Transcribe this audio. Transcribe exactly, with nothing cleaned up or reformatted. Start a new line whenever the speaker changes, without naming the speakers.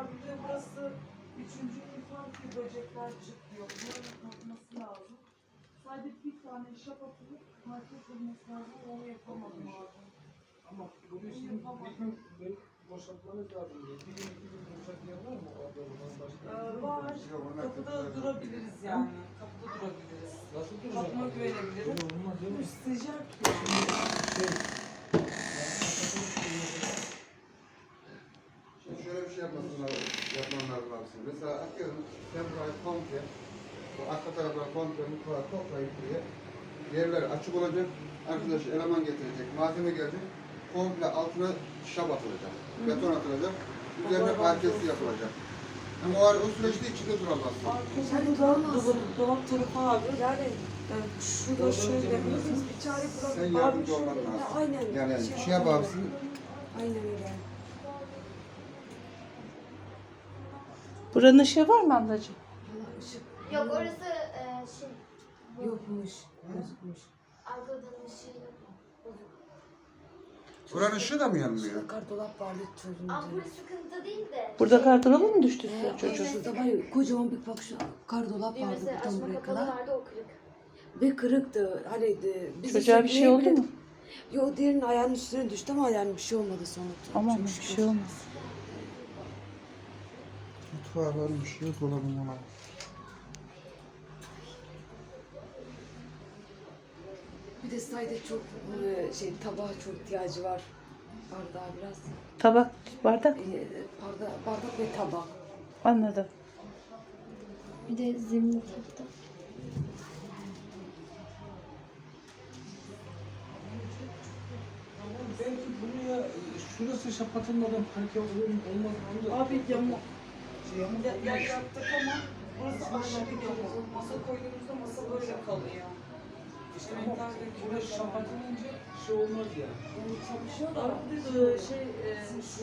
abi bir de burası üçüncü insan ki böcekler çıkıyor. Bunların kalkması lazım. Sadece bir tane şap atılıp market olması lazım. Onu yapamadım abi.
Ama bugün sizin bir gün böyle boşaltmanız lazım diye. Bir gün iki gün duracak yer var mı? O abladan başka?
Ee, var. Kapıda durabiliriz yani. Kapıda durabiliriz.
Nasıl duracak?
Kapıma güvenebilirim.
Öyle olmaz değil mi?
Sıcak yani.
Şey,
Şimdi şöyle bir şey yapmasınlar, yapman lazım abi. Mesela atıyorum, sen burayı komple, bu arka tarafları komple mutfağı toplayıp buraya, yerler açık olacak, arkadaş eleman getirecek, malzeme gelecek, komple altına şap atılacak, beton atılacak, üzerine parkesi yapılacak. Ama o, o süreçte içinde duramazsın.
Arkada da dolap, dolap tarafı abi. Yani yani şurada şöyle
Biz bir çare bulalım.
Sen
Abi
yardımcı
şöyle,
olman
Ya
lazım.
aynen.
Yani
Şey
şey yap
yapalım.
abisini,
Aynen öyle.
Buranın ışığı var mı ablacığım?
Valla ışık
Yok orası e, şey
yokmuş. Bozukmuş.
arka odanın ışığı yok. Bozuk.
buranın ışığı da mı yanmıyor?
Şurada kardolap vardı çocuğun
Ampul
üzerinde.
sıkıntı değil de.
Burada
şey,
kartolabı mı düştü
Ee,
size çocuğun?
Şurada var ya kocaman bir bak şu kardolap vardı
Düğmesi
buradan
açma
buraya
kapalı
kadar.
vardı o kırık.
Ve kırıktı. Hani de, biz
Çocuğa bir şey oldu mu?
Yok diğerinin ayağının üstüne düştü ama yani bir şey olmadı sonuçta.
Aman
Çok
bir
şükür.
şey olmaz.
Mutfağı varmış, yok dolabım ona.
Bir de sayede çok e, şey tabağa çok ihtiyacı var. Bardağı biraz.
Tabak, bardak.
E, bardak, bardak ve tabak.
Anladım.
Bir de zemin taktım.
belki buraya şurası şapatılmadan parke olur mu olmaz mı? Onu da-
Abi yamuk.
Şey, yamuk
Ya, yer
olmuş.
yaptık ama burası aşırı yamuk. Masa koyduğumuzda masa böyle kalıyor.
İşte ama burası şapatılınca şey olmaz ya.
Yani çalışıyor da.
Abi bir de şey, e,